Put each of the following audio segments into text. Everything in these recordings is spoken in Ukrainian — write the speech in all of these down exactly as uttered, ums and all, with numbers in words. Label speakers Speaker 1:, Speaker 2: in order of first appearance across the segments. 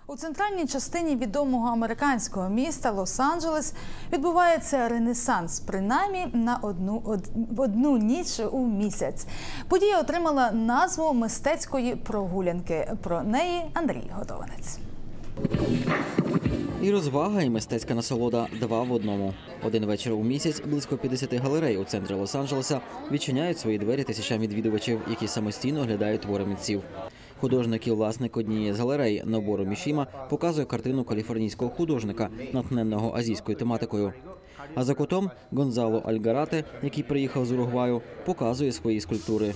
Speaker 1: У центральній частині відомого американського міста Лос-Анджелес відбувається ренесанс, принаймні на одну, од, одну ніч у місяць. Подія отримала назву мистецької прогулянки. Про неї Андрій Годованець.
Speaker 2: І розвага, і мистецька насолода – два в одному. Один вечір у місяць близько п'ятдесят галерей у центрі Лос-Анджелеса відчиняють свої двері тисячам відвідувачів, які самостійно оглядають твори митців. Художник і власник однієї з галерей Нобору Мішіма показує картину каліфорнійського художника, натхненного азійською тематикою. А за кутом Гонзало Альгарате, який приїхав з Уругваю, показує свої скульптури.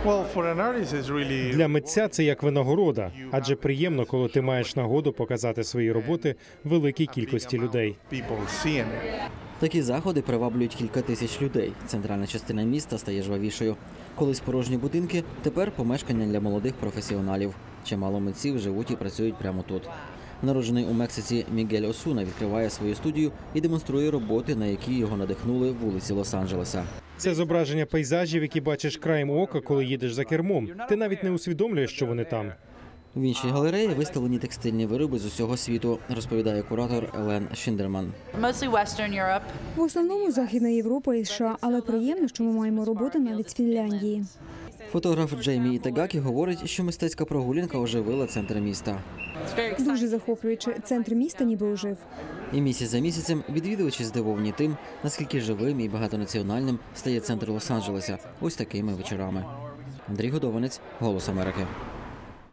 Speaker 3: Для митця це як винагорода, адже приємно, коли ти маєш нагоду показати свої роботи великій кількості людей.
Speaker 2: Такі заходи приваблюють кілька тисяч людей. Центральна частина міста стає жвавішою. Колись порожні будинки, тепер помешкання для молодих професіоналів. Чимало митців живуть і працюють прямо тут. Народжений у Мексиці Мігель Осуна відкриває свою студію і демонструє роботи, на які його надихнули вулиці Лос-Анджелеса.
Speaker 3: Це зображення пейзажів, які бачиш краєм ока, коли їдеш за кермом. Ти навіть не усвідомлюєш, що вони там.
Speaker 2: В іншій галереї виставлені текстильні вироби з усього світу, розповідає куратор Елен Шіндерман.
Speaker 4: В основному Західна Європа і США, але приємно, що ми маємо роботи навіть з Фінляндії.
Speaker 2: Фотограф Джеймі Ітагакі говорить, що мистецька прогулянка оживила центр міста.
Speaker 4: Дуже захоплююче. Центр міста ніби ожив.
Speaker 2: І місяць за місяцем відвідувачі здивовані тим, наскільки живим і багатонаціональним стає центр Лос-Анджелеса ось такими вечорами. Андрій Годованець, Голос Америки.